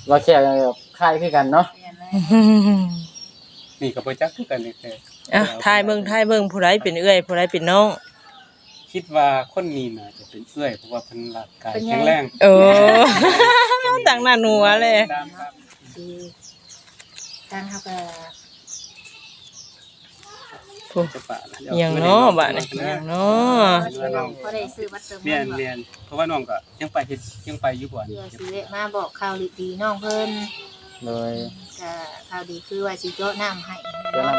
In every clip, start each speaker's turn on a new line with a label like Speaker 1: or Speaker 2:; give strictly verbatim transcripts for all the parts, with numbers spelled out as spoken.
Speaker 1: ว่าแค่คล้ายคือกันเนาะ
Speaker 2: นี่ก็บ่จักคือกันนี่แท้
Speaker 3: อ่ะทายเบิ่งทายเบิ่งผู้ใดเป็นเอื้อยผู้ใดเป็นน้อง
Speaker 2: คิดว่าคนนี้น่าจะเป็นเอื้อยเพราะว่าเพิ่นร่างกายแข็งแรง
Speaker 3: โอ้ต่างหน้าหนัวเลย
Speaker 4: ดีทางเฮาก็
Speaker 3: อย่างเนาะบ้านนี่อย่างเนาะ
Speaker 4: บ่ได้ซื้อบัตรเติมเงิ
Speaker 2: แม่
Speaker 4: น
Speaker 2: นแม่นเพราะว่าน้องก็ยังไปเฮ็ดยังไปอยู่บ่อน
Speaker 4: เพื่อสิได้มาบอกข่าวดีๆน้องเพิ่น
Speaker 1: เลย
Speaker 4: ก็ข่าวดีคือว่าสิโจ๊ะน้ำให้
Speaker 1: เดี๋ยวนั้น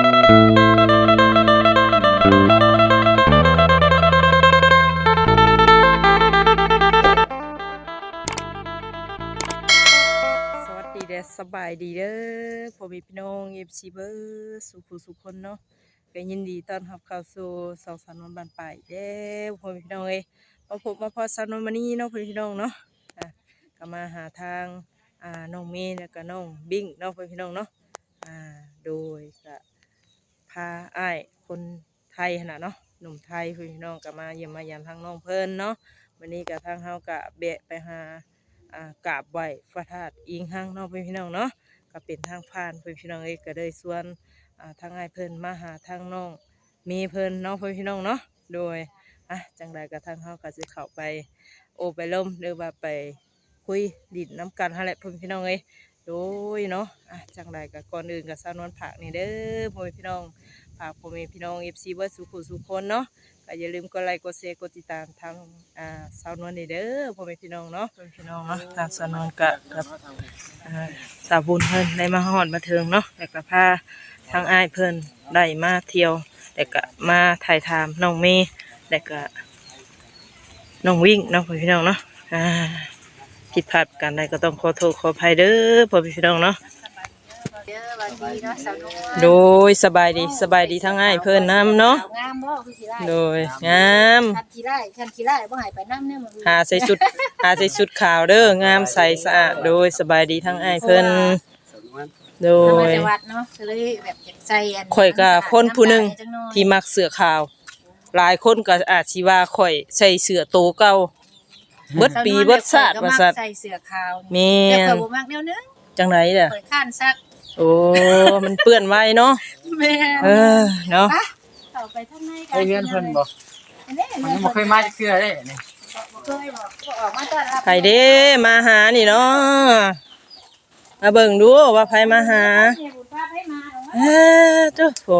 Speaker 3: สวัสดีเด้อสบายดีเด้อพ่อแม่พี่น้อง เอฟ ซี เบิร์สุขสุขคนเนาะก็ยินดีต้อนรับเข้าสู่สองสามวันบ้านป่ายเด้อพ่อแม่พี่น้องเอ้ยมาพบมาพอสาวน้องมานี่เนาะพ่อแม่พี่น้องเนาะอ่ะก็มาหาทางอ่าน้องเมย์แล้วก็น้องบิ้งเนาะพ่อแม่พี่น้องเนาะอ่าโดยก็พาอ้ายคนไทยขนาดเนาะหนุ่มไทยพ่อแม่พี่น้องก็มาเยี่ยมมายามทางน้องเพิ่นเนาะวันนี้ก็ทางเฮาก็แบะไปหาอ่ากราบไหว้พระธาตุอิงหังเนาะพี่น้องเนาะก็เป็นทางผ่านพี่น้องเอ้ยก็เลยส่วนอ่าทางอ้ายเพิ่นมาหาทางน้องมีเพิ่นเนาะพี่น้องเนาะโดยอ่ะจังใดก็ทางเฮาก็สิเข้าไปโอไปล้มหรือว่าไปคุยดินน้ำกันหั่นแหละพี่น้องเอ้ยโดยเนาะอ่ะจังใดก็ก่อนอื่นก็สาวนวลผักนี่เด้อพ่อพี่น้องฝากพ่อแม่พี่น้อง เอฟ ซี เบิดสุขสุขคนเนาะก็อย่าลืมกดไลค์กดแชร์กดติดตามทางอ่าสาวนวลนี่เด้อพ่อแม่พี่น้องเนาะพ่อแม่พี่น้องเนาะทางสาวนวลก็กับอ่าสาวบุญเพิ่นได้มาฮอดมาถึงเนาะแล้วก็พาทางอ้ายเพิ่นได้มาเที่ยวแล้วก็มาถ่ายทามน้องเมย์แล้วก็น้องวิ่งเนาะพ่อพี่น้องเนาะอ่าผิดพลาดกันใดก็ต้องขอโทษขออภัยเด้อพ่อพี่น้องเนาะ
Speaker 4: เด้อสวัสดีเนาะสาวนุ่ม
Speaker 3: โดยสบายดีสบายดีทั้งอ้ายเพิ่นนํเนาะ
Speaker 4: งามบ่คือสิได้
Speaker 3: โดยงาม
Speaker 4: คันขี้ไร่คันขี้ไร่บ่ให้ไปนำเนี่ยมัน
Speaker 3: หาใส่ชุดหาใส่ชุดขาวเด้องามใสสะอาดโดยสบายดีทั้งอ้ายเพิ่นโด
Speaker 4: มาย จังหวัดเนาะก็เลยแบบอยากใจอัน
Speaker 3: ข่อยก็คนผู้หนึงที่มักเสื้อขาวหลายคนก็อาจสิว่าข่อยใส่เสื้อโตเก่าเบิดปีเบิดชาติว่าซั่น
Speaker 4: ใส่เสื้อขาว
Speaker 3: แม่
Speaker 4: แต่
Speaker 3: น
Speaker 4: ข่อยบ่มักแนวนึง
Speaker 3: จังไดล่ะ
Speaker 4: ข่อยข้านซัก
Speaker 3: โอ้มันเปื้อนไว้เนาะ
Speaker 4: แม่
Speaker 3: เออเนาะ
Speaker 4: เข้าไปทางในกั
Speaker 1: ไอ้เงินเพิ่นบ่
Speaker 4: อันนี้
Speaker 1: มันยังบ่เคยมาจักเทื่อเด้นี่
Speaker 4: บ่เคยบอกก็ออกมาต้อนรับ
Speaker 3: ไผเด้มาหานี่เนาะมาเบิ่งดูว่าไผมาหา
Speaker 4: เนี่ยบุญพาให้มาเอา
Speaker 3: เอ้อเจ้าโห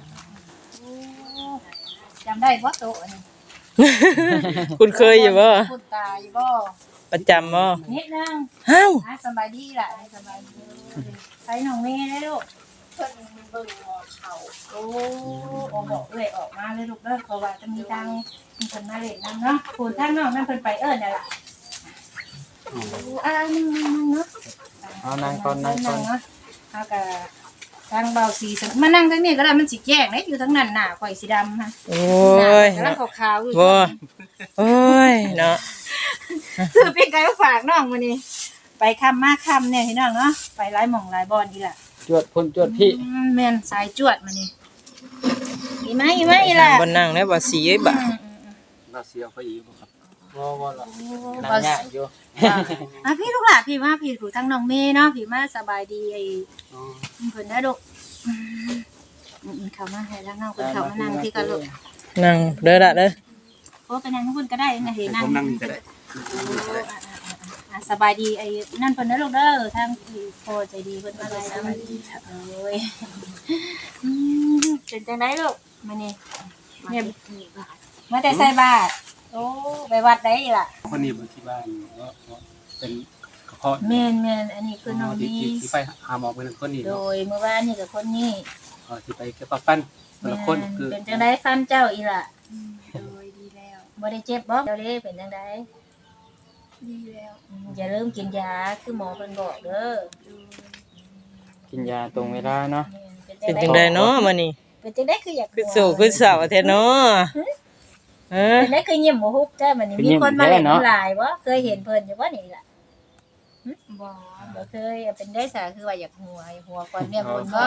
Speaker 4: จำได้บ่โตะนี่
Speaker 3: คุณเคยอยู่บ่
Speaker 4: คุณตาอยู่บ่
Speaker 3: ประจำบ่
Speaker 4: นิดนึง
Speaker 3: ฮ้าว
Speaker 4: อ่ะสบายดีล่ะสบายดีใส่น้องเมย์ได้ลูกเพิ่นเบิ่งหมอเขาโอ้โอ้บอกเอ้ยออกมาเลยลูกเด้อเพราะว่าจะมีทางมีคนมาเล่นนำเนาะคุณทางน้องนั่นเพิ่นไปเอิ้นนั่นล่ะอ่านึงๆเนาะ
Speaker 1: เอานั่งก่อนนั่งก่อน
Speaker 4: เนาะเฮาก็ทางเบาสีมานั่งทางนี้ก็ได้มันสิแจ้งเด้อยู่ทางนั้นหน้าข่อยสีดำฮะ
Speaker 3: โอ้ย
Speaker 4: กำลังขาวๆอยู่
Speaker 3: บ่โอ้ยเนาะ
Speaker 4: ซื้อเป็นไก่มาฝากน้องมื้อนี้ไปค่ำมาค่ำเนี่ยพี่น้องเนาะไปหลายหม่องหลายบอนอีหล่ะ
Speaker 1: จวดพุ่นจวดพี่
Speaker 4: อืมแม่นสายจวดมื้อนี้อีไหมอีไหมอีหล่ะ
Speaker 3: บ่นั่งแล้วบ่สีเอ้ยบ่
Speaker 4: อืม
Speaker 2: น่าเสียไปอีกบ่ครับ
Speaker 1: บ่บ่ล่ะ
Speaker 4: ๆ
Speaker 1: นั่
Speaker 4: บ่
Speaker 1: งยากอยู่
Speaker 4: อ่ะพี่ลูกหล่ะพี่มาพี่ถูทางน้องเมย์เนาะพี่มาสบายดีไอ้
Speaker 2: อ๋อ
Speaker 4: เพิ่นได้ลูกอืมอืมเข้ามาให้แล้วเนาะเพิ่นเข้ามานั่งพี่กันลูก
Speaker 3: นั่งเด้อละเด้อ
Speaker 4: โอ้ไปนั่งข้างบนก็ได้นะเห็น
Speaker 2: ให้
Speaker 4: นั่ง
Speaker 2: ผมนั่งนี่ก็ได้
Speaker 4: อ่ะสบายดีไอ้นั่นเพิ่นนะลูกเด้อทางที่โพใจดีเพิ่นมาเลยสบายดีโอ้ยอืมเป็นจังไดลูกมานี่เนี่ยมาแต่ใส่บาตรโอ้ไปวัดได้อีล่ะ
Speaker 2: คนนี้บ่ที่บ้านเนาะเป็นกระเพาะ
Speaker 4: แม่นแม่นอันนี้คือน้อง
Speaker 2: ที่
Speaker 4: ดี
Speaker 2: ที่ไปหาหมอเพิ่นคนนี้
Speaker 4: โด
Speaker 2: เนาะ
Speaker 4: ยเมื่อวานนี่กับคนนี้
Speaker 2: อ๋อที่ไปเก็บปลาฟันคนละคนคือ
Speaker 4: เป็นจังไดฟันเจ้าอีล่ะโดยดีแล้วบ่ได้เจ็บบ่เจ้าเด้เป็นจังไดดีแล้วอย่าลืมกินยาคือหมอเพิ่นบอกเด้อ
Speaker 1: กินยาตรงเวลาเนาะ
Speaker 3: เป็นจังไดเนาะมื้อนี้
Speaker 4: เป็นจังไดคืออยาก
Speaker 3: คือสู้คือสาวแท้เนาะเออ
Speaker 4: เป็นจังไดคือยิ้มบ่ฮุบแต่มื้อนี้มีคนมาเล่นหลายบ่เคยเห็นเพิ่นอยู่บ่นี่ล่ะหึบ่บ่เคยเป็นได้ซะคือว่าอยากหัวอยากหัวก่อนเนี่ยบุญบ่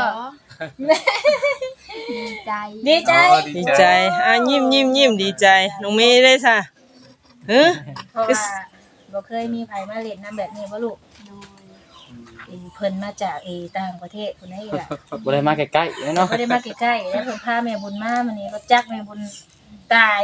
Speaker 4: ดีใจดีใจ
Speaker 3: ดีใจอ่ะยิ้มยิ้มยิ้มดีใจน้องเมย์ได้ซะเฮ้อ
Speaker 4: เพราะว่าบ่เคยมีไผมาเล่นน้ำแบบนี้บ่ลูกเอ่อเพิ่นมาจากเออต่างประเทศพุ่นนี่ล่ะ
Speaker 1: บ่ได้มาใกล้ๆเนาะ
Speaker 4: บ่ได้มาใกล้ๆแล้วเพิ่นพาแม่บุญมามื้อนี้รถจักรแม่บุญตาย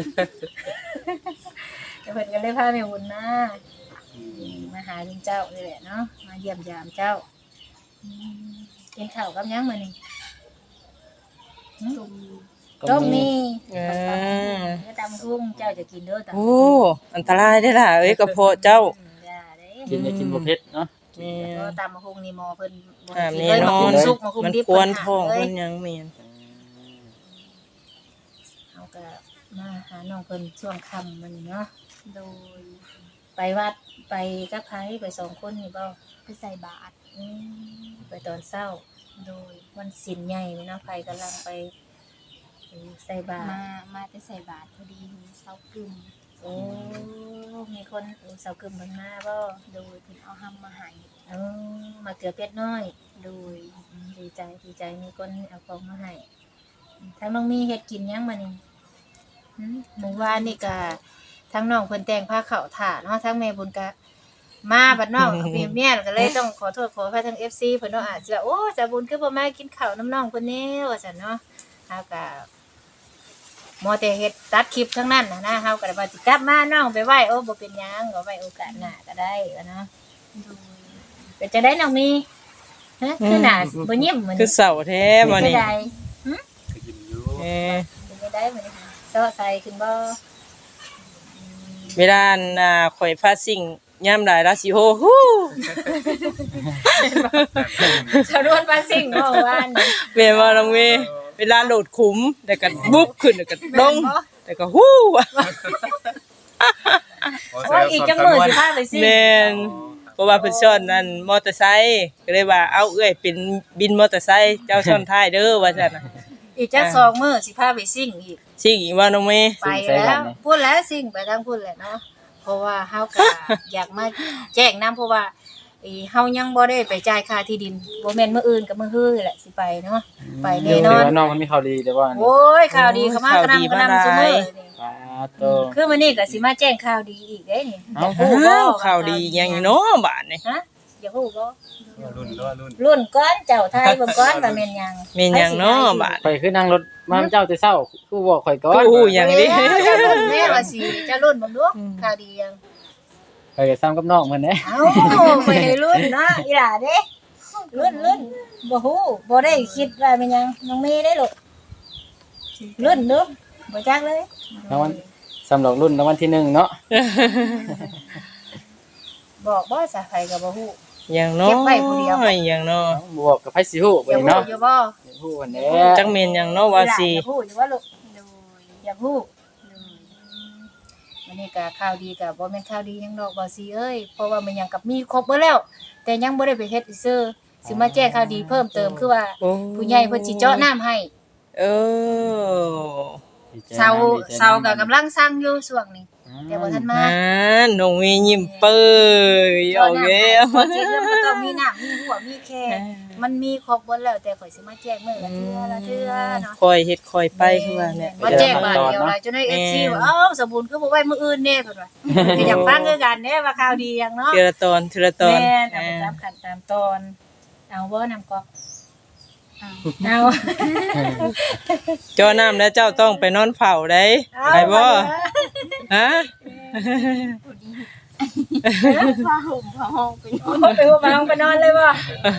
Speaker 4: แล้วเพิ่นก็เลยพาแม่บุญมามาหาลุงเจ้านี่แหละเนาะมาเยี่ยมยามเจ้าอืมกินข้าวกับหยังมื้อนี้หึ
Speaker 1: ก็
Speaker 4: ต้ม
Speaker 1: มี
Speaker 4: มี
Speaker 3: เออ
Speaker 4: เนื้อตำกุ้งเจ้าจะกินเด้อตำ
Speaker 3: โอ้อันตรายได้อล่ะเอ้ยกระเพาะเจ้า
Speaker 4: อย่าเด้
Speaker 1: กินจะกินบ่เผ็ดเนาะ
Speaker 3: แม่
Speaker 4: เพราะ
Speaker 3: น
Speaker 4: ตำกุ้งนี่หมอเพิ่นบ่
Speaker 3: ห้าม
Speaker 4: ให้
Speaker 3: แน่
Speaker 4: กินเลย
Speaker 3: น
Speaker 4: มา
Speaker 3: อ
Speaker 4: คุ
Speaker 3: น
Speaker 4: มสุกมาคุม
Speaker 3: มัน
Speaker 4: ดิบ
Speaker 3: กวน
Speaker 4: เพิ่
Speaker 3: ท้อง
Speaker 4: ห้าม
Speaker 3: เพิ่
Speaker 4: เล
Speaker 3: น
Speaker 4: ย
Speaker 3: ยังแม่น
Speaker 4: เฮาก็มาหาน้องเพิ่นช่วงค่ำมื้อนี้เนาะ
Speaker 5: โดย
Speaker 4: ไปวัดไปกับใครไปสองคนนี่บ่
Speaker 5: ไปใส่บาตร
Speaker 4: อืมไปตอนเช้า
Speaker 5: โดย
Speaker 4: วันศีลใหญ่นี่เนาะใครกำลังไปใส่บาตร
Speaker 5: มามาจะใส่บาตรพอดีมีเสากึม
Speaker 4: โอ้มีคนเอาเสากึมเพิ่นมาบ่
Speaker 5: โดยเพิ่นเอาห้ำมาให้
Speaker 4: เออมาเกลือเป็ดน้อย
Speaker 5: โดย
Speaker 4: อืมดีใจดีใจมีคนเอาของมาให้ทั้งน้องมีเฮ็ดกินยังมานี่หืมหมู่ว่านนี่ก็ทั้งน้องเพิ่นแต่งผ้าขาวถ่าเนาะทั้งแม่บุญก็มาบัดน้อง เมียเมียก็เลยต้องขอโทษขออภัยทั้ง เอฟ ซี เพิ่นเนาะอาจจะโอ้สาบุญคือบ่มากินข้าวน้ำน้องเพิ่นแน่ว่าซั่นเนาะเฮาก็มอแต่เฮ็ดตัดคลิปทั้งนั้นน่ะนะเฮาก็ได้ว่าสิกลับมาน้องไปไหว้โอ้บ่เป็นหยังก็ไว้โอกาสหน้าก็ได้ว่าเนาะ
Speaker 5: โดย
Speaker 4: เป็นจังได๋น้องมีฮะคือหน้าบ่ยิ้มเหมือน
Speaker 3: คือเสาแท้บ่นี่
Speaker 4: เป็นจังได
Speaker 2: ก็ยิ้มอยู่
Speaker 3: เออ
Speaker 4: เป็นจังได๋มื้อนี้เซาะใส่ขึ้นบ่
Speaker 3: เวลาน่ะข่อยพาสิ่งยามหลายราสิโฮฮู้
Speaker 4: สะดวนปาซิ่งเนาะว่าน
Speaker 3: แม่นบ่น้องเมย์เวลาโหลดขุมแล้วก็บุ๊บขึ้นแล้วก็ลงแล้วก็ฮู้
Speaker 4: โอ้ยอีกจังมื้อสิพาไปซิ่ง
Speaker 3: แม่นเพราะว่าเพิ่นสอนนั่นมอเตอร์ไซค์ก็เลยว่าเอาเอ้ยเป็นบินมอเตอร์ไซค์เจ้าซ้อนท้ายเด้อว่าซั่นน่ะ
Speaker 4: อีกจักสองมื้อสิพาไปซิ่งอีก
Speaker 3: สิ่งอีกว่าน้องเมย์
Speaker 4: ไปแล้วพูดแล้วสิ่งไปทางพูดแหละเนาะเพราะว่าเฮาก็ อยากมาแจ้งนํเพราะว่าอีเฮายังบ่ได้ไปจ่ายค่าที่ดินบ่แม่นมื้ออื่นก็มื้อฮื้อแหละสิไปเนาะไปแน่นอน
Speaker 1: เดี๋ยวว่าน้องมันมีข่าวดีแต่ว่านี่
Speaker 4: โอ้ยข่าวดีเข้ามากระนำกระนำซุมื้อนี่
Speaker 1: ปาโต
Speaker 4: คือมื้อนี้ก็สิมาแจ้งข่าวดีอีกเด้นี่
Speaker 1: เอ้า
Speaker 4: ฮู้บ่
Speaker 3: อ้าวข่าวดีหยังอยู่เนาะบาดนี่
Speaker 4: ฮะอยากฮู้บ่
Speaker 2: รุ่นด้วยรุ่น
Speaker 4: รุ่นก้อนเจ้าไทยเบิ่งก้อนว่าแม่นหยัง
Speaker 3: แม่นหยังเนาะบาด
Speaker 1: ข่อยคือนั่งรถมาเจ้าแต่เช้าคือบอกข่อยก่อน
Speaker 3: กูฮู้หยังดิ
Speaker 4: เอ้ยเจ้ารุ่นแม่ว่าสิเจ้ารุ่นเบิ่งดูข่าวดียัง
Speaker 1: ข่อยก็ซ้ำกับน้องเพิ่นเด้
Speaker 4: เอ้าไปให้รุ่นเนาะอีหล่าเด้รุ่นรุ่นบ่ฮู้บ่ได้คิดว่าเป็นหยังน้องเมย์ได้ลูกรุ่นเด้อบ่จักเลย
Speaker 1: รางวัลสำหรับรุ่นรางวัลที่หนึ่งเนาะ
Speaker 4: บอกบ่ซะไผก็บ่ฮู้
Speaker 3: หยังเนาะ
Speaker 4: เก็บไว้ผู้เดียว
Speaker 3: หยังเนาะ
Speaker 1: บวกกับไผสิฮู้
Speaker 4: อ
Speaker 1: ไป
Speaker 4: ยากฮู้
Speaker 1: เนาะ
Speaker 4: อยู่บ่
Speaker 1: ฮู้กันแหน่
Speaker 3: จักแม่นหยังเนาะว่าสิ
Speaker 4: อยากฮู้อยู่ว่าลูก
Speaker 5: โดย
Speaker 4: อยากฮู้
Speaker 5: โดย
Speaker 4: วันนี้ก็ข่าวดีก็บ่แม่นข่าวดีหยังดอกบ่สิเอ้ยเพราะว่ามันหยังกับมีครบเบิดแล้ว แต่ยังบ่ได้ไปเฮ็ดซื่อสิมาแจ้งข่าวดีเพิ่มเติมคือว่า
Speaker 3: โอ้
Speaker 4: ผู้ใหญ่เพิ่นสิเจาะน้ำให้
Speaker 3: เออ
Speaker 1: ดีใจ
Speaker 4: เซา
Speaker 1: ดีใจ
Speaker 4: เซาก็กำลังสร้างอยู่ช่วงนี้ แต่บ่ทันมา
Speaker 3: อ่าน้องมียิ้มเปื่อยเอาแล้ว
Speaker 4: เสียเรื่องมันต้องมีน้ำมีหัวมีแค่มันมีครบหมดแล้วแต่ข่อยสิมาแจ้งมื้อละเทื่อละเทื่อเนาะ
Speaker 3: คอยเฮ็ดคอยไปคือว่าเนี่ย
Speaker 4: มาแจ้งบาดเดียวล่ะจนได้ เอฟ ซี ว่าเอ้าสมบูรณ์คือบ่ไว้มื้ออื่นแน่เพิ่นว่าก็อยากฟังคือกันแน่ว่าข่าวดีหยังเนาะ
Speaker 3: ทีละตอนทีละตอน
Speaker 4: แม่นเอา
Speaker 3: อ่า
Speaker 4: ไปตามขั้นตามตอนเอาบ่นำกอก
Speaker 5: เอา
Speaker 4: เอา
Speaker 3: เจ้าน้ำแล้วเจ้าต้องไปนอนเฝ้าได้ไปบ่ฮะ
Speaker 5: พอดีผ้าห่มผ้าห้องเป็น
Speaker 4: โอ้ไปหัวมาไปนอนเลยบ่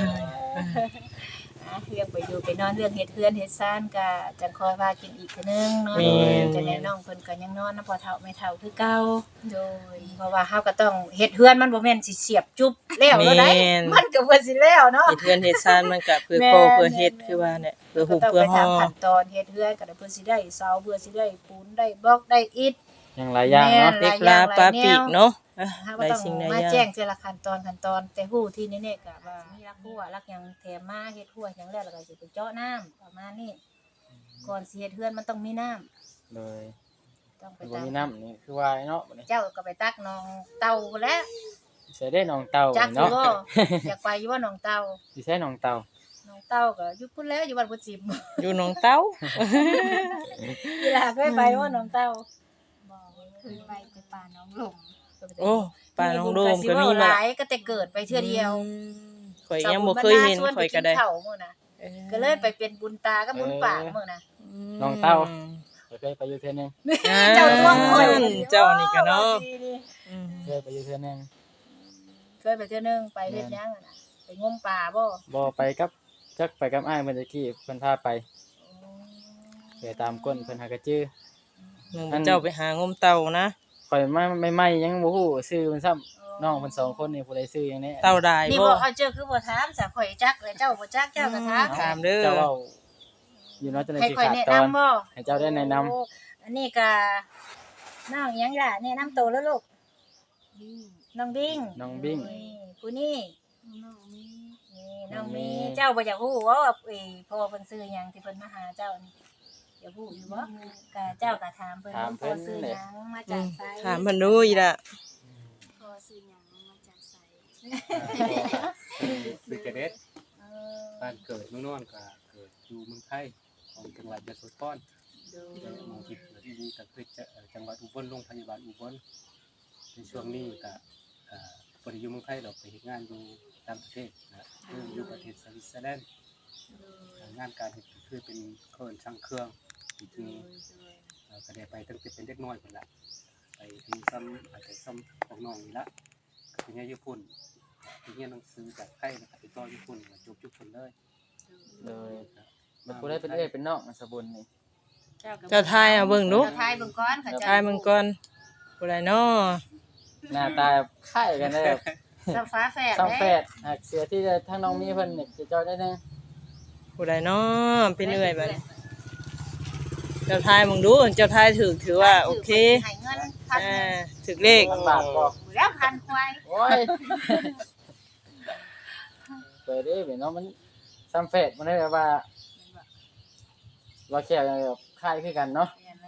Speaker 4: อ่ะเรื่องไปอยู่ไปนอนเรื่องเฮ็ดเฮือนเฮ็ดซ่านก็จังคอยว่ากินอีกเทื่อนึงเนาะจะแนะน้องเพิ่นก็ยังนอนนะพอเฒ่าไม่เฒ่าคือเก่า
Speaker 5: โดย
Speaker 4: เพราะว่าเฮาก็ต้องเฮ็ดเฮือนมันบ่แม่นสิเสียบจุ๊บแล้วแล้วได้มันก็เพิ่นสิแล้วเนาะ
Speaker 3: เฮ็ดเฮือนเฮ็ดซ่านมันก็เพื่อโกเพื่อเฮ็ดคือว่าเนี่ยเพื่อ
Speaker 4: ก็
Speaker 3: หุบ
Speaker 4: ต้อง
Speaker 3: เพื่อ
Speaker 4: ไป
Speaker 3: ห่อ
Speaker 4: ทำขั้นตอนเฮ็ดเฮือนก็ได้เพิ่นสิได้เสาเพื่อสิได้ปูนได้บล็อกได้อิฐ
Speaker 1: ยังหลายอย่างเนาะ
Speaker 3: เด็กลาปลาปีกเนาะอ่ะ
Speaker 4: เฮา
Speaker 3: ห
Speaker 4: ก็
Speaker 3: ลาย
Speaker 4: ต้อง
Speaker 3: สิ่งหลาย
Speaker 4: มา
Speaker 3: อย่า
Speaker 4: แจ้
Speaker 3: ง
Speaker 4: งทีละขั้นตอนขั้นตอนแต่ฮู้ที่แน่ๆก็ว่ามีรักหัวรักหยังแถมมาเฮ็ดหัวหยังแล้วแล้วก็สิไปเจาะน้ำประมาณนี้ก่อนสิเฮ็ดเฮือนมันต้องมีน้ำ
Speaker 1: เลย
Speaker 4: ต้องไป
Speaker 1: บ่
Speaker 4: ตัก
Speaker 1: มีน้ำนี่คือว่าเนาะบัดนี้
Speaker 4: เจ้าก็ไปตักหนองเต่าแล้ว
Speaker 1: ใส่ได้น้องเต่า
Speaker 4: จักอยู่
Speaker 1: เนาะ
Speaker 4: บ่อยากไปอยู่บ่หนองเต่า
Speaker 1: สิใส่น้องเต่า
Speaker 4: หนองเต่าก็อยู่พุ่นแล้วอยู่บ้านพุทธสิม
Speaker 3: อยู่หนองเต้า
Speaker 4: เวลาเคยไปบ่หนองเต่า
Speaker 5: บอกเคยไปแต่ป่าน้องหลง
Speaker 3: โอ้ป้าน้องโดมก็มี
Speaker 4: ห
Speaker 3: มา
Speaker 4: ลายก็แต่เกิดไปเทื่อเดียว
Speaker 3: อืมข่อยยังบ่เคยเห็นข่อยก็ได้
Speaker 4: สาวบุญบรรณาชวนไปกินข้าวมื้อน่ะก็เลยไปเป็นบุญตากับบุญปากมื้อน่ะ
Speaker 1: น้องเต้าเคยไปอยู่เทื่อนึง
Speaker 4: เจ้าตัวข่อย
Speaker 3: เจ้านี่ก็เนาะอืม
Speaker 1: เคยไปอยู่เทื่อนึง
Speaker 4: เคยไปเทื่อนึงไปเฮ็ดหยังอะน่ะไปงมปลาบ่
Speaker 1: บ่ไปกับจักไปกับอ้ายเมื่อกี้เพิ่นพาไปไปตามก้นเพิ่นหากระจื้อ
Speaker 3: มึงเจ้าไปหางมเต่านะ
Speaker 1: ข่อยมาใหม่ๆยังบ่ฮู้ชื่อเพิ่นซ้ำน้องเพิ่นสองคนนี่ผู้ใดชื่อหยังแน่
Speaker 3: เต่าได้
Speaker 4: นี่
Speaker 3: บ่
Speaker 4: บ่เอาเจอคือบ่ถามซะข่อยจักเลยเจ้าบ่จักเจ้าก็ถาม
Speaker 3: ถามเด้อ
Speaker 1: เจ้าเว้าอยู่เนาะจังได๋
Speaker 4: ให้
Speaker 1: สิ
Speaker 4: ข่อย
Speaker 1: ขาด
Speaker 4: แนะ
Speaker 1: ตอน
Speaker 4: นำบ่
Speaker 1: ให้เจ้าได้แนะนำ
Speaker 4: โอ้อันนี้ก็น้องหยังล่ะแนะนำตัวแล้วลูก
Speaker 5: ดิ้ง
Speaker 4: น้องบิ้ง
Speaker 1: น้องบิ้ง
Speaker 4: นี่ผู้นี้
Speaker 5: น้องมี
Speaker 4: นี่น้อง
Speaker 1: น้องเม
Speaker 4: มี
Speaker 1: ย์
Speaker 4: เจ้าบ่อยากฮู้ว่าเอ้ยพ่อเพิ่นซื้อหยังที่เพิ่นมาหาเจ้านี่อยากฮู้อยู่บ่ก็เจ้าก็ถามเพิ่นว่าพ่อซื้อหยังมา
Speaker 3: อื
Speaker 4: จาก
Speaker 3: ม
Speaker 4: ไส
Speaker 3: ถามเพิ่นดูอีล่ะ
Speaker 5: พอซื้อหยังมาจากไส
Speaker 2: คือจะเด็ด
Speaker 4: เออ
Speaker 2: บ้านเกิดเมืองนอนก็เกิดอยู่เมืองไทยของจังหวัดยโสธร
Speaker 4: ดู
Speaker 2: แต่เมืองที่เกิดที่นี่ก็คือจะเอ่อจังหวัดอุบลโรงพยาบาลอุบลในช่วงนี้ก็เอ่อบ่ได้อยู่เมืองไทยดอกไปเฮ็ดงานอยู่ต่างประเทศนะคืออยู่ประเทศสวิตเซอร์แลนด์เอ่องานการเฮ็ดก็คือเป็นเครื่องช่างเครื่องจริงๆเอ่อก็ได้ไปตั้งแต่เป็นเด็กน้อยพุ่นละไปถึงซ้ำอาจจะซ้ำของน้องนี่ละก็เป็นญี่ปุ่นไปเรียนหนังสือจากไทยแล้วก็ไปต่อญี่ปุ่นก็จบญี่ปุ่นเลย
Speaker 1: เลยมันผู้ใดเป็นเอ้ยเป็นน้องมันสะบุญนี่
Speaker 3: เจ้าทายเอาเบิ่งดู
Speaker 4: เจ้าทายเบิ่งก่อนค่ะเจ้า
Speaker 3: ทายมึงก่อนผู้ใดน้อ
Speaker 1: หน้าตาคล้ายกันเลยแบบ
Speaker 4: สับฟ้าแฝด
Speaker 1: สองแฝ
Speaker 4: เด้
Speaker 1: ดหากเสือที่ทั้งน้องมีเพิ่นเนี่ยจะเจ้าได้นึง
Speaker 3: ผู้ใดน้อเป็นเอื้อยบัดนี้เจ้าทายมึงดู เจ้าทายถูกถือว่าโอเค
Speaker 4: ให้เงินพัน
Speaker 3: อ่า
Speaker 4: หนึ่ง
Speaker 3: ถึกเลข
Speaker 1: พันบาทบ่
Speaker 4: แล้วพันควาย
Speaker 1: โอ้ยเปิดได้เนาะมันซ้ำแฝดมันได้แบบว่าเราแค่แบบคล้ายคือกันเนาะ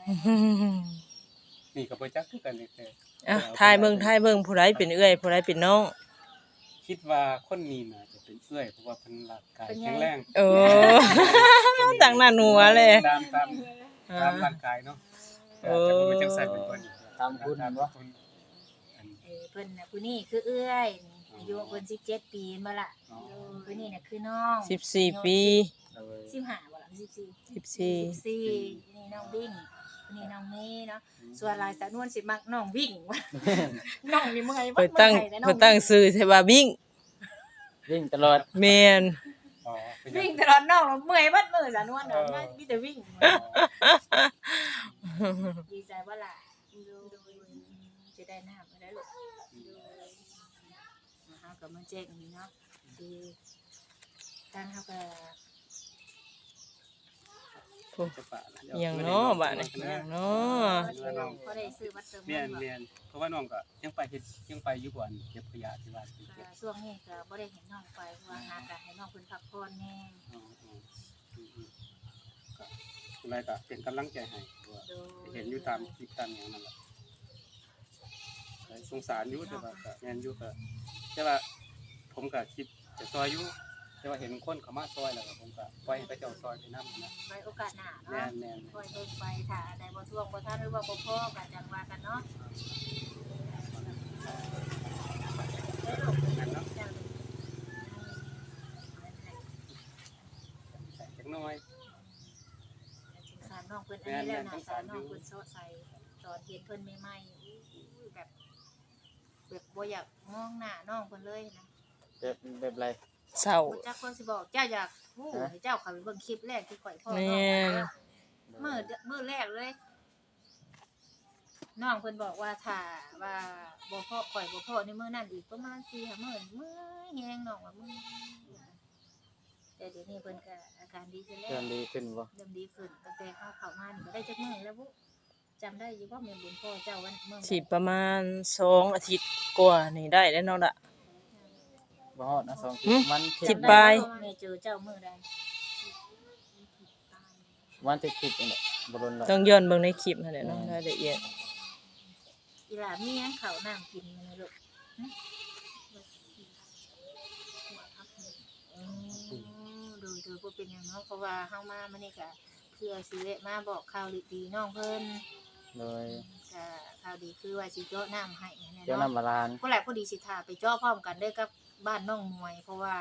Speaker 2: นี่ก็บ่จักคือกันนี่แต่
Speaker 3: อ่ะทายเบิ่งทายเบิ่งผู้ใดเป็นเอื้อยผู้ใดเป็นน้อง
Speaker 2: คิดว่าคนนี้น่าจะเป็นเอื้อยเพราะว่าเพิ่นร่างกายแข็งแรง
Speaker 3: โอ้ ต่างหน้าหนัวเลย
Speaker 2: ตามตามตามร่างกายเนาะแต่จะบ่เป็นจังซั่นเป็นคน
Speaker 1: ตามคุณ
Speaker 2: ตาม
Speaker 1: บ่
Speaker 2: คนอัน
Speaker 4: เออเพิ่นน่ะผู้นี้คือเอื้อยนี่อายุเพิ่นสิบเจ็ดปีมาละ
Speaker 2: อ๋อ
Speaker 4: ผู้นี้น่ะคือน้อง
Speaker 3: สิบสี่ปี
Speaker 1: เลย
Speaker 4: สิบห้าบ่ล่ะสิบสี่
Speaker 3: สิบสี่
Speaker 4: สิบสี่นี่น้องวิ่งผู้นี้น้องเมย์เนาะส่วนลายสะนวนสิมักน้องวิ่ง น้องนี่เมื่อยบ่
Speaker 3: เพิ่นตั้ง
Speaker 4: มื่อยนะน้อ
Speaker 3: เพิ่นตั้งชื่อใช่ว่าบิ่ง
Speaker 1: วิ่งตลอด
Speaker 3: แม่น
Speaker 2: อ๋อเป็น
Speaker 4: วิ่งตลอดน้องเมื่อยเบิดมื้อสะนวนเนาะมีแต่วิ่งดีใจบ่ล่ะจะได้น้ำมาได้ลูกเฮาก็มาแจ้งนี่เนาะคือทางเฮาก็
Speaker 2: จะปะนะ
Speaker 3: อหย่างเนาะบัดนี้อหย่างเนาะ
Speaker 4: พอได้ซื้อบัตรเติม
Speaker 2: เรียน
Speaker 4: เงินบ่
Speaker 2: เรียนเพราะว่าน้องก็ยังไปเฮ็ดยังไปอยู่บ่อนเก็บขยะที่บ้านที่เก็บ
Speaker 4: ช่วงนี้ก็บ่ได้เห็นน้องไปเพราะว่าหาก็ให้น้องเพิ่นพักผ่อนแน่
Speaker 2: อ๋ออ๋ออืมอืมก็อะไรก็เป็นกำลังใจให้ว่า
Speaker 4: โดย
Speaker 2: เห็นอยู่ตามคลิปตามอย่างนั้นแหละก็สงสารอยู่แต่ว่าก็แม่นอยู่ก็แต่ว่าผมก็คิดจะซอยอยู่แต่ว่าเห็นคนเขามาซอยแล้วก็ผมก็ปล่อยให้เขาเจ้าซอยไปนำนะ
Speaker 4: ไว้โอกาสหน้า
Speaker 2: แม่
Speaker 4: เนาะ
Speaker 2: นแม่น
Speaker 4: ค่อยเบิ่งไปถ้าได้บ่ท่วงบ่ทันหรือว่าบ่พอก็จังว่ากันเนาะ
Speaker 2: แม่นเนาะใส่จักหน่อย
Speaker 4: สงสารน้องเพิ่นอันนี้แล้วนะสารน้องเพิ่นโซใส่ตอนเห็นเพิ่นใหม่ๆอู้ยแบบแบบบ่อยากมองหน้าน้องเพิ่นเลยนะ
Speaker 1: แบบแบบไร
Speaker 3: เศร้า
Speaker 4: บ่จักคนสิบอกเจ้าอยากฮู้ให้เจ้าเข้าไปเบิ่งคลิปแรกที่ข่อยพ่อ
Speaker 3: แม่
Speaker 4: น้อง
Speaker 3: น
Speaker 4: มื้อมื้อแรกเลย น้องเพิ่นบอกว่าถ้าว่าบ่พอข่อยบ่พอในมื้อนั้นอีกประมาณ สี่ห้า มื้อเมื่อยแฮงน้องว่ามึงแต่เดี๋ยวนี้เพิ่นก็อาการดีขึ้นแล้
Speaker 1: เริ่
Speaker 4: ว
Speaker 1: มดีขึ้นบ่
Speaker 4: เริ่มดีขึ้นตั้งแต่เข้าเข้ามานี่ก็ได้จักมื้อแล้วบุจำได้อยู่บ่แม่บุญพ่อเจ้าวันเมื่อ
Speaker 3: สิประมาณสองอาทิตย์กว่านี่ได้แล้วเนาะล่ะ
Speaker 1: บ่ฮอดนะสอง
Speaker 3: หึ
Speaker 1: วันเที่ย
Speaker 3: สิ
Speaker 1: ง
Speaker 3: บปลาย
Speaker 4: แม่เจอเจ้ามื้อใด
Speaker 1: วันที่สิบนี่แหละบ่รุนหรอก
Speaker 3: ต้องย้อนเบิ่งในคลิปนั่นแหละเนาะรายละเอียด
Speaker 4: อีหลามีหยังข้าวน้ำกินมื้อนี้ลูกหึอืมดูดูบ่เป็นหยังเนาะเพราะว่าเฮามามื้อนี้ก็เพื่อสิแวะมาบอกข่าวดีๆน้องเพิ่น
Speaker 1: เลย
Speaker 4: ก็ข่าวดีคือว่าสิเจาะน้ำให้แน่
Speaker 1: เจ้า
Speaker 4: เนาะ
Speaker 1: น้ำบาลาน
Speaker 4: ผู้แหลกผู้ดีสิทาไปเจาะพร้อมกันเด้อกับบ้านน้องมวย เพราะว่า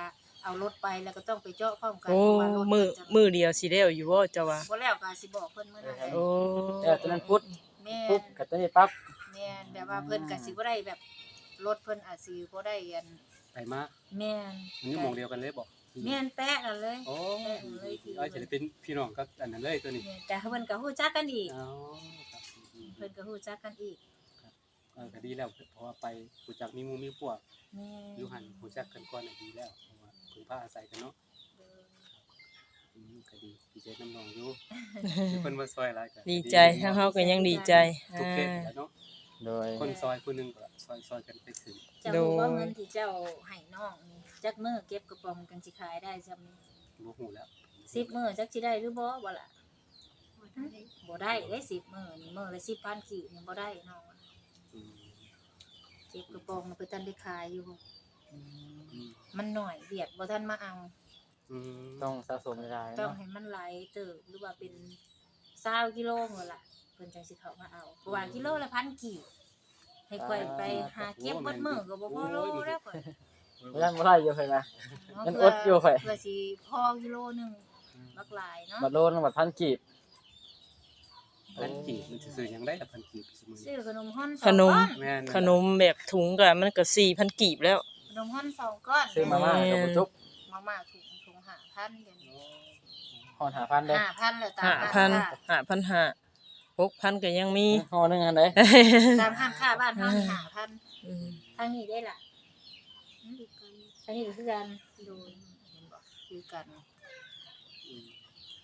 Speaker 4: เอารถไปแล้วก็ต้องไปเจาะพร้อมกัน
Speaker 3: โอ้
Speaker 4: เพราะว่ารถ
Speaker 3: มือ
Speaker 4: จะ
Speaker 3: มือเดียวสิแล้วอยู่บ่เจ้าว่า
Speaker 4: บ่แล้วก็สิบอกเพิ่นมื้อนั้นแหละ
Speaker 3: โอ้
Speaker 1: แต่ตอนนั้นพุทธ
Speaker 4: แม่
Speaker 1: ปุ๊บ
Speaker 4: น
Speaker 1: ก็ตอนนี้ปั๊บ
Speaker 4: แม่นแบบว่าเพิ่นก็สิบ่ได้แบบรถเพิ่นอาจสิบ่ได้อัน
Speaker 2: ไปมา
Speaker 4: แม่น
Speaker 2: มันอยู่หม่องเดียวกันเลยบ่
Speaker 4: แม่นแป๊ะนั่นเลย
Speaker 2: โอ้
Speaker 4: แป๊ะนั่นเลยที่
Speaker 2: เอาจะได้เป็นพี่น้องกับอันนั้นเลยตัวนี้
Speaker 4: แม่นแต่เพิ่นก็ฮู้จักกันอีก
Speaker 2: อ๋อครับ
Speaker 4: เพิ่นก็ฮู้จักกันอีก
Speaker 2: เออก็ดีแล้วเพราะว่าไปรู้จักมีหมู่มีพวก
Speaker 4: แม่น
Speaker 2: อยู่หันรู้จักกันก่อนน่ะดีแล้วเพราะว่าพึ่งพาอาศัยกันเนาะ
Speaker 4: เด้อ
Speaker 2: อืมก็ดีดีใจน้ำน้องอยู่ มีคนมาซอยหลายก็
Speaker 3: ดีใจทั้งเฮาก็ยังดีใจ
Speaker 2: ทุก
Speaker 3: อ่า
Speaker 2: เพศแหล้วเนาะ
Speaker 1: โดย
Speaker 2: คนซอยผู้หนึงก็ซอยซอยกันไปถึง
Speaker 4: เจ้ารู้ว่าเงินที่เจ้าให้น้องนี่จักมื้อเก็บกระป๋องกันสิขายได้ซำนี้
Speaker 2: บ่ฮู้แล้ว
Speaker 4: สิบมื้อจักสิได้หรือบ่บ่ล่ะบ่ได้เด้สิบมื้อนี่มื้อละสิบพันกีบนี่บ่ได้น้อง
Speaker 2: อืม
Speaker 4: เก็บกระป๋องมันเพิ่นทันได้ขายอยู่
Speaker 2: อืม
Speaker 4: มันหน่อยเวียดบ่ทันมาเอา
Speaker 2: อืม
Speaker 1: ต้องสะสมเวลา
Speaker 4: ต้อง
Speaker 1: เนาะ
Speaker 4: ให้มันไหลเติบหรือว่าเป็น20กิโลนั่นล่ะเพิ่นจังสิเข้ามาเอาเพราะว่ากิโลละพันกีบให้ค่อยไปหาเก็บเบิดมื้อก็บ่พอโลแล้วข่อย
Speaker 1: บ่ทันบ่ได้อยู่เพิ่นว่า
Speaker 4: เนาะ
Speaker 1: มันอดอยู่ข่อย
Speaker 4: เพื่อสิพอกิโลหนึงบักหลายเนาะ
Speaker 1: บัดโลนึงบัดพันกีบ
Speaker 2: พันกีบมันสิซื้อหยังได้ล่ะพันกีบซุมื้อ
Speaker 4: ซื้
Speaker 2: นี้
Speaker 4: อขนมฮ้อนส
Speaker 3: ข
Speaker 4: อง
Speaker 3: นม
Speaker 4: ก้อน
Speaker 2: แม่น
Speaker 3: ขนมแบบถุงก็มันก็สี่พันกีบแล้ว
Speaker 4: ขนมฮ้อนสองก้อน
Speaker 1: ซื้อมาม่ากับบ่จุก
Speaker 4: มาม่าถุงถุงห้าพันเดี๋ยวนี้
Speaker 1: ฮอดห้าพันเด้อ
Speaker 4: ห้าพันเลยตาม
Speaker 3: ห้า
Speaker 4: ร้
Speaker 3: พัน
Speaker 4: ค้า
Speaker 3: ห้าพันห้าหกพันก็ยังมี
Speaker 1: ฮอดนึงอันใด
Speaker 4: ตามห้างค่าบ้านเฮานี่ห้าพัน
Speaker 3: อืม
Speaker 4: ทางนี้ได้ล่ะทางนี้ก็คือกันโดยเห็นบ่คือกัน
Speaker 2: อืม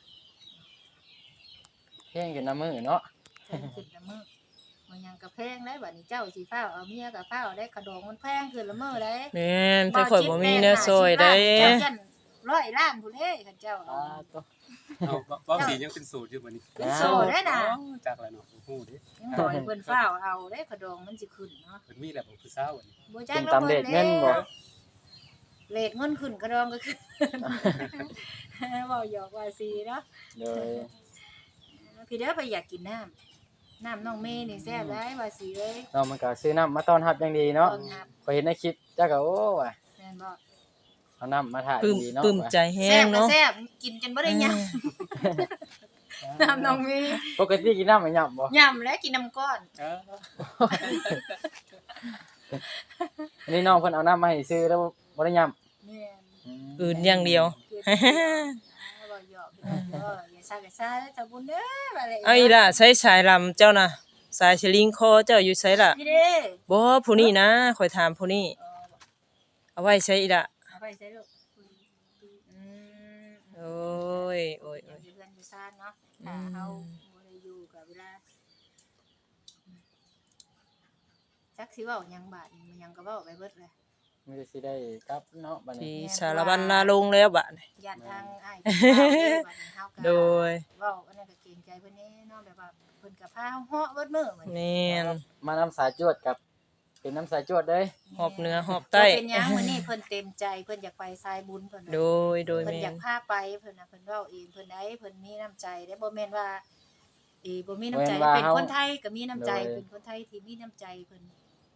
Speaker 1: เพ่งกันน้ำมือเนาะ
Speaker 4: แพงขึ้นละมื้อมันยังก็แพงได้บัดนี้เจ้าสิฟ้าวเอาเมียก็ฟ้าวได้ขะดองมันแพงขึ้นละมื้อได้
Speaker 3: แม่นแต่ข่อยบ่มีแนวซอยได้
Speaker 4: เจ้าจันร้อยล้านพุ่นเด้คันเจ้าเอา
Speaker 1: อ่าตัว
Speaker 2: เอาเว้าเว้าสียังเป็นสูตรอยู่บัดนี้
Speaker 4: เป็นโซได้น่ะ
Speaker 2: อ๋อจักแล้วเนาะบ่ฮู้เด้
Speaker 4: ยังบ่ให้เพิ่นฟ้าวเอาได้ขะดองมันสิขึ้นเนาะ
Speaker 2: เพิ่นมีแล้วบ่ผู้สาวอันนี้
Speaker 4: บ่จั
Speaker 1: เป็
Speaker 4: ก
Speaker 1: น
Speaker 4: เรา
Speaker 1: ตามเด็
Speaker 4: เบิ
Speaker 1: ก
Speaker 4: ด
Speaker 1: เงินบ่
Speaker 4: เลทเงินขึ้นขะดองก็ขึ้น เว้าหยอกว่าซีเนาะ
Speaker 1: โดย
Speaker 4: พี่เด้อไปอยากกินน้ำน้ำน้องเมย์นี่แซ่บได้ว่าสิเอ้ย
Speaker 1: เรามันก็ซื้อน้ำมาต้อนรับอย่างดีเนาะ
Speaker 4: ต้อนรับ
Speaker 1: พอเห็นในคลิปจ้าก็โอ้ว่ะ
Speaker 4: แม่นบ่
Speaker 1: เอาน้ำมาถ่าย
Speaker 3: ปลื้ม
Speaker 1: ดีเนาะ
Speaker 3: ปลื้มใจแฮ
Speaker 4: แซ่
Speaker 3: ง
Speaker 4: บก็
Speaker 3: เนาะ
Speaker 4: แซ่บกินจนบ่ได้ยำน้ำน้องเมย์
Speaker 1: ปกติกินน้ำไม่หยับบ่
Speaker 4: ยำแล้วกินน้ำก้อน
Speaker 2: เออ
Speaker 1: อันนี้น้องเพิ่นเอาน้ำมาให้ซื้อแล้วบ่ได้หยับ
Speaker 4: แม่น
Speaker 3: อื่นอย่างเดียว
Speaker 4: เกิดบ่หยอกพี่น้องเด้ออย่าซ่าก็ซ่าเด้อเจ้าบุญเด้อว่าเลย
Speaker 3: เอาอีล่ะใช้สายลำเจ้าน่ะสายสลิงคอเจ้าอยู่ไสล่ะ
Speaker 4: พี่เด้
Speaker 3: บ่ผู้นี้นะข่อยถามผู้นี้
Speaker 4: เออ
Speaker 3: เอาไว้ใช้อีล่ะ
Speaker 4: เอาไปใส่ลูกอืม
Speaker 3: โอ้ยโอ้ย
Speaker 4: อ
Speaker 3: โอ้
Speaker 4: ยู่
Speaker 3: ย
Speaker 4: เพื่อนอยู่ซ่านเนาะถ้าเฮาบ่ได้อยู่กับเวลาจักสิเว้าหยังบาดนี้มันหยังก็เว้าไปเบิดเลย
Speaker 1: มีแต่สิได้กลับเนาะบัด
Speaker 3: ที่
Speaker 1: นี้
Speaker 3: สารบัญนาลงแล้วบัดนี้
Speaker 4: ญาติทางอ้ายเพิ่นเว้าเด้อบัดนี้เฮาก็
Speaker 3: โดย
Speaker 4: เว้าอันนั้นก็เกรงใจเพิ่นแน่เนาะแบบว่าเพิ่นก็พาเฮาเหาะเบิดมื้อเหมือน
Speaker 3: แม่น
Speaker 1: มาน้ำสายจวดกับ เป็นน้ำสายจวดเด้ย
Speaker 3: หอบเหนือหอบใต้
Speaker 4: เป็นหยังมื้อนี้เพิ่นเต็มใจเพิ่นอยากไปสายบุญเพิ่น
Speaker 3: โดยโดย
Speaker 4: เพิ่น
Speaker 3: แม่
Speaker 4: อยาน กพาไปเพิ่นน่ะเพิ่นเว้าเองเพิ่นได้เพิ่นมีน้ำใจได้บ่แม่นว่าเอ้บ่มีน้ำใจเป็นคนไทยก็มีน้ำใจเป็นคนไทยที่มีน้ำใจเพิ่น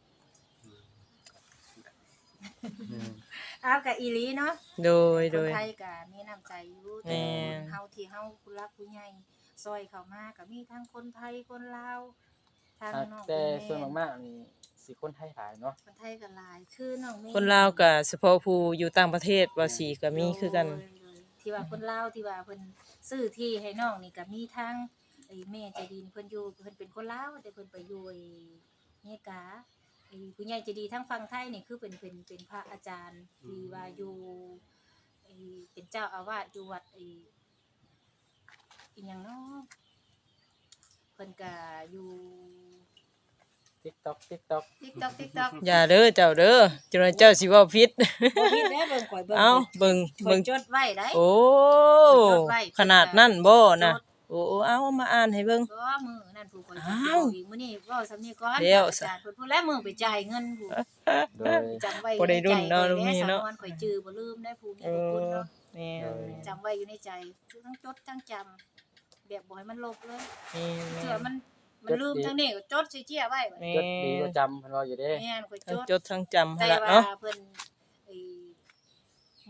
Speaker 1: อืม
Speaker 4: อ้าวก็อีหลีเนาะ
Speaker 3: โดย
Speaker 4: ค
Speaker 3: โด
Speaker 4: น
Speaker 3: ย
Speaker 4: ไทยก็มีน้ำใจอยู่
Speaker 3: แม่
Speaker 4: แต่
Speaker 3: น
Speaker 4: เฮาที่เฮาผู้รักผู้ใหญ่ซอยเข้ามาก็มีทั้งคนไทยคนลาวทางน้อง
Speaker 1: แต่
Speaker 4: คน
Speaker 1: ส่วน
Speaker 4: แม่
Speaker 1: มากๆนี่สิคนไทยหลายเนาะ
Speaker 4: คนไทยก็หลายคือน้องเมย์
Speaker 3: คนลาวก็เฉพาะผู้อยู่ต่างประเทศว่าสิก็มีคือกัน
Speaker 4: โดยโดยที่ว่าคนลาวที่ว่าเพิ่นซื้อที่ให้น้องนี่ก็มีทั้งไอ้แม่ใจดีเพิ่นอยู่เพิ่นเป็นคนลาวแต่เพิ่นไปอยู่ไอ้เมกาไอ้ผู้ใหญ่ใจดีทั้งฝั่งไทยนี่คือเป็นเป็นเป็นพระอาจารย์ที่ว่าอยู่ไอ้เป็นเจ้าอาวาสอยู่วัดไอ้อีหยังเนาะเพิ่นก็อยู่
Speaker 1: TikTok TikTok
Speaker 4: TikTok TikTok
Speaker 3: อย่าเด้อเจ้าเด้อจนว่าเจ้าสิเว้าผิด
Speaker 4: บ่ผิดเด้อเบิ่งข่อยเบิ่ง
Speaker 3: เอ้าเบิ่ง
Speaker 4: ข่อ
Speaker 3: เบิ่
Speaker 4: ย
Speaker 3: ง
Speaker 4: จดไว้ได้
Speaker 3: โอ้
Speaker 4: จดไว้
Speaker 3: ขนาดนั้นบ่นะ
Speaker 4: จด
Speaker 3: โอ้เอามาอ่านให้เบิ่ง
Speaker 4: ก็มือนั่นผู้คนสิ
Speaker 3: อ้า
Speaker 4: เว้าว อีกมื้อนี้เว้าสำนี้ก่อน
Speaker 3: เดี๋ยว
Speaker 4: อาจารย์เพิ่นพูดแล้วมือไปจ่ายเงินผู้
Speaker 1: โดย
Speaker 4: จำไว้
Speaker 3: บ่ได้รุ่นเนาะ
Speaker 4: ใใจ
Speaker 3: ลุงนี่เนาะ
Speaker 4: สำนวนข่อยจื้อบ่ลืมได้ผู้มี
Speaker 3: เอ
Speaker 4: บุญคุณ
Speaker 3: อ
Speaker 4: เนาะ
Speaker 3: แม่น
Speaker 4: จำไว้อยู่ในใจคือทั้งจดทั้งจำแบบบ่ให้มันลบเลย
Speaker 3: แม่น
Speaker 4: เชื่อมันมันลืมทั้งนี้ก็จดสิเจียไว้บัด
Speaker 3: แม่
Speaker 1: จดดีก็จำเพิ่นว่าอยู่เด้
Speaker 4: แม่นข่อยจ
Speaker 3: ทั้ง
Speaker 4: ด
Speaker 3: จดทั้งจำ
Speaker 4: แต่
Speaker 3: หั่นล่ะ
Speaker 4: ว่า
Speaker 3: เนาะ
Speaker 4: เพิ่นไอ้ม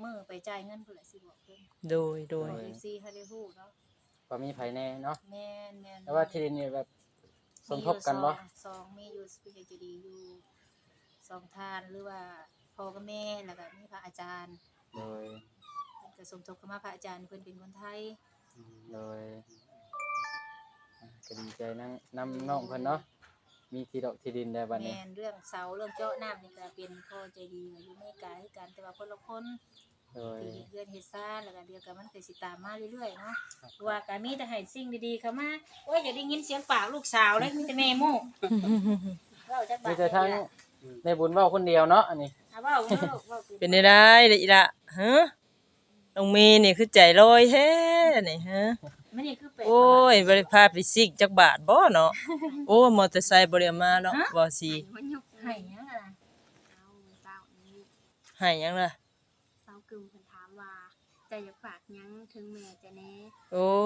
Speaker 4: มื้อไปจ่ายเงินพุ่นแหละสิบอกเพิ่น
Speaker 3: โดยโดย
Speaker 4: เอฟซีให้ได้ฮู้เนาะ
Speaker 1: ก็มีไผแน่เนาะ
Speaker 4: แม่นแม่น
Speaker 1: แต่ว่าที่ดินนี่แบบสมทบกันบ่
Speaker 4: มีอยู่สองสองมีอยู่สปิริตดีอยู่สองทานหรือว่าพ่อกับแม่แล้วก็มีพระอาจารย์
Speaker 1: โดย
Speaker 4: เพิ่นก็สมทบเข้ามาพระอาจารย์เพิ่นเป็นคนไทย
Speaker 1: โดยอ่าก็ดีใจนั่งนำน้องเพิ่นเนาะมีที่ดอกที่ดินได้บัดนี้
Speaker 4: แม่นเรื่องเสาเรื่องเจาะน้ำนี่ก็เป็นพ่อใจดีอยู่ในกายคือกันแต่ว่าคนละคน
Speaker 1: โดย
Speaker 4: ที่เฮ็ดเรือนเฮ็ดซ่านแล้วก็เดียวกันมันก็สิตามมาเรื่อยๆเนาะว่าก็มีแต่ให้สิ่งดีๆเข้ามาโอ้ยอย่าได้ยินเสียงปากลูกสาวเลยมีแต่แม่โม่เว้าจักบา
Speaker 1: มี
Speaker 4: ท
Speaker 1: แต่ทั้งในบุญเว้าคนเดียวเนาะอันนี้
Speaker 4: อ่ะเว้าเว้าลูกเว้า
Speaker 3: เป็นได้ได้เด้ออีละฮะน้องเมย์นี่คือใจลอยแท้นี่ฮะ
Speaker 4: มันนี่คือเป็น
Speaker 3: โอ้ยบ่ได้พาไปซิกจักบาทบ่เนาะโอ้มอเตอร์ไซค์บ่ได้เอามาเนาะบ่สิ
Speaker 5: มันยก
Speaker 4: ให้หยังอ่ะ
Speaker 5: เอาเศร้านี้
Speaker 3: ให้หยังล่ะ
Speaker 5: เศร้ากึ่มเพิ่นถามว่าจะอยากฝากหยังถึงแม่จะแน่
Speaker 3: โอ้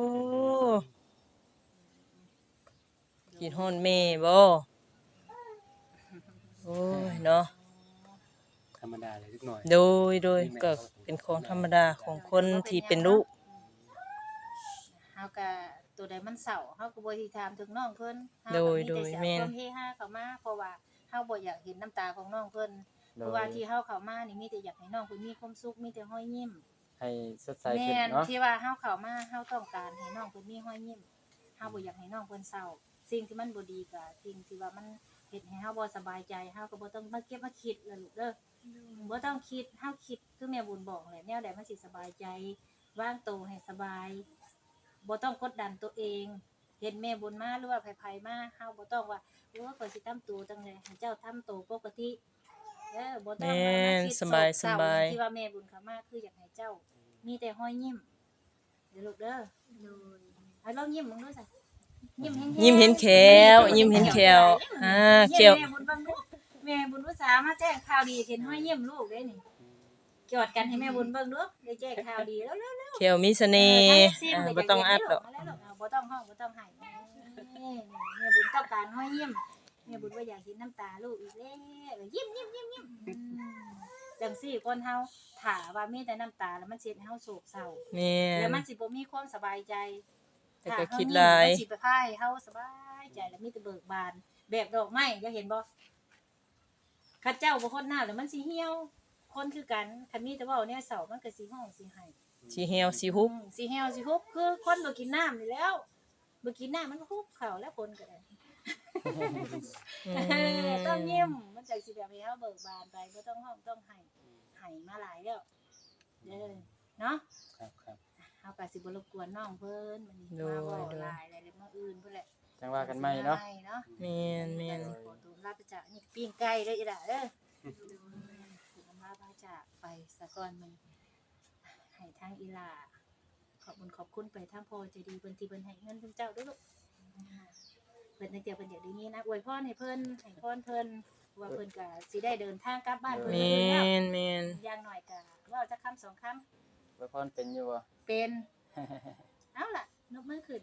Speaker 3: กินฮอนแม่บ่โอ้ยเนาะ
Speaker 2: ธรรมดาเลยนิดหน่อย
Speaker 3: โดยโดยก็เป็นของธรรมดาของคนที่เป็นลูก
Speaker 4: เฮาก็ตัวใดมันเศร้าเฮาก็บ่สิถามถึงน้องเพิ่นเฮา
Speaker 3: โด
Speaker 4: ก็
Speaker 3: ย
Speaker 4: มี
Speaker 3: โด
Speaker 4: แต่
Speaker 3: ย
Speaker 4: สิ
Speaker 3: แม่
Speaker 4: เอาคน วามเฮฮาเข้ามาเพราะว่าเฮาบ่อยากเห็นน้ำตาของน้องเพิ่น
Speaker 1: โด
Speaker 4: เพราะ
Speaker 1: ย
Speaker 4: ว่าที่เฮาเข้ามานี่มีแต่อยากให้น้องเพิ่นมีความสุขมีแต่รอยยิ้ม
Speaker 1: ให้สดใส
Speaker 4: แม่
Speaker 1: ขึ้น
Speaker 4: น
Speaker 1: เนาะ
Speaker 4: ที่ว่าเฮาเข้ามาเฮาต้องการให้น้องเพิ่นมีรอยยิ้มเฮาบ่อยากให้น้องเพิ่นเศร้าสิ่งที่มันบ่ดีก็สิ่งที่ว่ามันเฮ็ดให้เฮาบ่สบายใจเฮาก็บ่ต้องมาเก็บมาคิดล่ะลูกเด้อบ่ต้องคิดเฮาคิดคือแม่บุญบอกแหละแนวใดมันสิสบายใจวางตัวให้สบายบ่ต้องกดดันตัวเองเห็นแม่บุญมาหรือว่าไผๆมาเฮาบ่ต้องว่าโอ้ข่อยสิทำตัวจังได๋ให้เจ้าทำตัวปกติเด้อบ่ต้องมามาคิด
Speaker 3: แม่นสบาย
Speaker 4: โศกเศร้
Speaker 3: สบาย
Speaker 4: ที่ว่าแม่บุญเข้ามาคืออยากให้เจ้า มีแต่รอยยิ้มเดี๋ยวลูกเด้อ
Speaker 5: โดย
Speaker 4: เอาลองยิ้มมึงดูสิยิ้มแห้งๆ
Speaker 3: ยิ้มเห็นแขวยิ้มเห็นแขวอ่าแข
Speaker 4: ยิ้
Speaker 3: ว
Speaker 4: มแม่บุญบังดูแม่บุญอุตส่าห์มาแจ้งข่าวดีเห็นรอยยิ้มลูกเด้นี่กอดกันให้แม่บุญเบิ่งดูได้แจ้งข่าวดีแล้วๆ
Speaker 3: แขวมีเสน่ห์อ่าบ่ต้องอัดดอก
Speaker 4: บ่ต้องห้องบ่ต้องให้แม่บุญต้องการรอยยิ้มแม่บุญว่าอยากเห็นน้ำตาลูกอีกแล้วยิ้มยิ้มยิ้มยิ้มจังซี่คนเฮาถ้าว่ามีแต่น้ำตาแล้วมันสิเฮ็ดให้เฮาโศกเศร้า
Speaker 3: แม่
Speaker 4: แล้ว
Speaker 3: น
Speaker 4: มันสิบ่มีความสบายใจ
Speaker 3: แต่ก็
Speaker 4: ถ้
Speaker 3: คิด
Speaker 4: เฮ
Speaker 3: หลาย
Speaker 4: มันสิไปพายเฮาสบายใจแล้วมีแต่เบิกบาน แบบดอกไม้จะเห็นบ่ข้าเจ้าบ่คนหน้าแล้วมันสิเหี่ยว คนคือกันคันมีแต่เว้าแนวเศร้ามันก็สิฮ้องสิไห้
Speaker 3: สิเหี่ยวสิฮุบ
Speaker 4: อืมสิเหี่ยวสิฮุบคือคนบ่กินน้ำนี่แล้วบ่กินน้ำมันก็ฮุบเข้าแล้วคนก็ได้
Speaker 3: อื
Speaker 4: ต้อง
Speaker 3: ม
Speaker 4: ยิ้มมันจังสิแบบให้เฮาเบิกบานไปบ่ต้องฮ้องต้องไห้ไห้มาหลายแล้วเด้อเนาะ
Speaker 2: ครับครับ
Speaker 4: เฮาก็สิบ่รบกวนน้องเพิ่นมื้อนี้
Speaker 3: โด
Speaker 4: มาย เว้า
Speaker 3: โดย
Speaker 4: หลายแล้วเดี๋ยวมื้ออื่นพุ่นแหละ
Speaker 1: จังว่ากันใหม่เนาะ
Speaker 4: เนาะ
Speaker 3: แม่นแม่น
Speaker 4: ขอตัวลาไปจากนี่ปิ้งไก่เด้ออีหล่ะเด้อถึงลาไปจากไปสะก่อนมันให้ทางอีหล่าขอบคุณขอบคุณไปทางพ่อใจดีเพิ่นที่เพิ่นให้เงินเพิ่นเจ้าเด้อลูกเพิ่นตั้งแต่เพิ่นอยากได้นี้นะอวยพรให้เพิ่นให้พรเพิ่นว่าเพิ่นก็สิได้เดินทางกลับบ้านเพิ่น
Speaker 3: แม่
Speaker 4: แล้ว
Speaker 3: นแม่น
Speaker 4: อย่างน้อยก็เว้าจักคำสองคำ
Speaker 1: ไว้พรเป็นอยู่บ่
Speaker 4: เป็น เอาล่ะนกมือขึ้น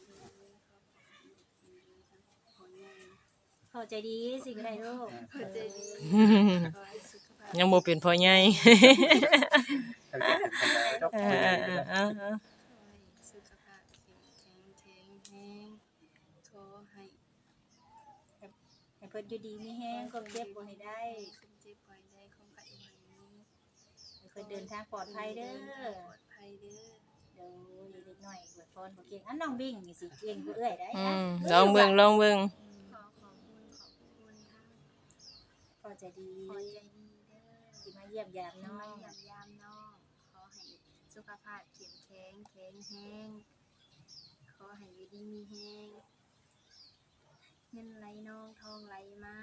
Speaker 5: คนใหญ่
Speaker 4: พอใจดีสิก็ได้ลูก
Speaker 5: เพิ่นใจดีขอให้สุขภาพ
Speaker 3: ยังบ่เป็นพ่อใหญ่
Speaker 2: ถ้าเกิดเป็นคนใดดอก
Speaker 3: อ่
Speaker 2: เบี้ย
Speaker 3: า
Speaker 2: นะ
Speaker 3: อ่าอ่า
Speaker 5: ขอให้สุขภาพแข็งแรงแข็งแรงขอให้
Speaker 4: ให้เพิ่นอยู่ดีมีแฮงความเจ็บบ่ให้ได้
Speaker 5: ความเจ็บป่วยได้ความไข้บ่ให้มี
Speaker 4: ให้เพิ่นเดินทางปลอดภัยเด้อ
Speaker 5: ปลอดภัยเด้อ
Speaker 4: เดี๋ยวเด็กน้อยอวยพรบ่เก่งอันน้องบิ่งนี่สิเก่งกว่าเอื้อยได้
Speaker 3: อื
Speaker 4: นะ
Speaker 3: มลองเบิ่งลองเบิ่ง
Speaker 5: ขอขอบคุณขอบคุณทั้ง
Speaker 4: พอใจดี
Speaker 5: พอใจดีเด้อ
Speaker 4: ที่มาเยี่ยมยาม
Speaker 5: น้
Speaker 4: น้
Speaker 5: อ
Speaker 4: อง ง
Speaker 5: ยามยามน้องขอให้สุขภาพเข้มแข็งแข็งแรงขอให้อยู่ดีมีแรงเงินไหลน้องทองไหลมา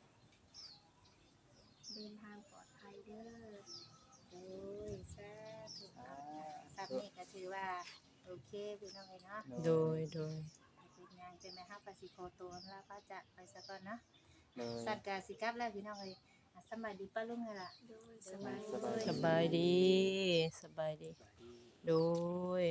Speaker 5: เดินทางปลอดภัยเด้อ
Speaker 4: โอ้ยสาธุครับนี่ก็ถือว่าโอเคพี่น้องเอ้ยเนาะ
Speaker 3: โดยโดย
Speaker 4: เป็นหยังจังได๋เฮาก็สิขอตัวลาพระจากไปซะก่อนเนาะ
Speaker 1: โดย
Speaker 4: สัตว์ก็สิกลับแล้วพี่น้องเอ้ยอ่ะสำบายดีป้าลุงเอ้ยล่ะ
Speaker 5: โดยสบาย
Speaker 1: สบาย
Speaker 3: สบายดีสบายดี โดย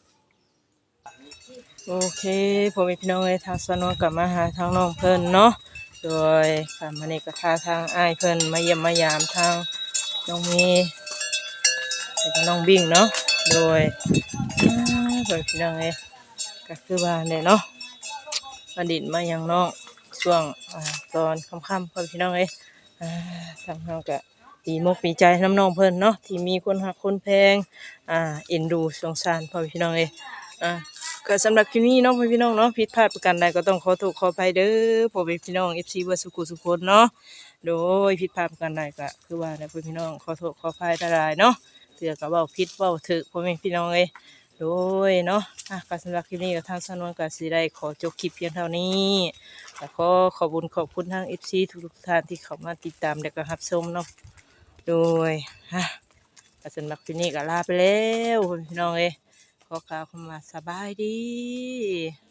Speaker 3: โอเคพ่อแม่พี่น้องเอ้ยทางสนวนกลับมาหาทางน้องเพิ่นเนาะโดยค่ะมื้อนี้ก็พาทางอ้ายเพิ่นมาเยี่ยมมายามทางน้องเมย์แล้วก็น้องบิ่งเนาะโดยอ่าเพิ่นพี่น้องเอ้ยก็คือว่าเนี่ยเนาะมาดินมาหยังน้องช่วงอ่าตอนค่ำๆเพิ่นพี่น้องเอ้ยอ่าทางเฮาก็ดีมกดีใจน้ำน้องเพิ่นเนาะที่มีคนฮักคนแพงอ่าเอ็นดูสงสารพ่อพี่น้องเอ้ยอ่าก็สำหรับคลิปนี้เนาะพ่อพี่น้องเนาะผิดพลาดประการใดก็ต้องขอโทษขออภัยเด้อพ่อพี่น้อง เอฟ ซี เบิดสุขุสุขคนเนาะโดยผิดพลาดประการใดก็คือว่าเนี่ยพ่อพี่น้องขอโทษขออภัยหลายๆเนาะเถื่อก็เว้าผิดเว้าถูกพ่อแม่พี่น้องเอ้ยโดยเนาะอ่ะก็สำหรับคลิปนี้ก็ทางสนวนก็สิได้ขอจบคลิปเพียงเท่านี้แล้วก็ขอบคุญขอบคุณทาง เอฟ ซี ทุกๆท่านที่เข้ามาติดตามและก็รับชมเนาะโดยฮะก็สำหรับคลิปนี้ก็ลาไปแล้วพ่อพี่น้องเอ้ยขอกล่าวคำว่าสบายดี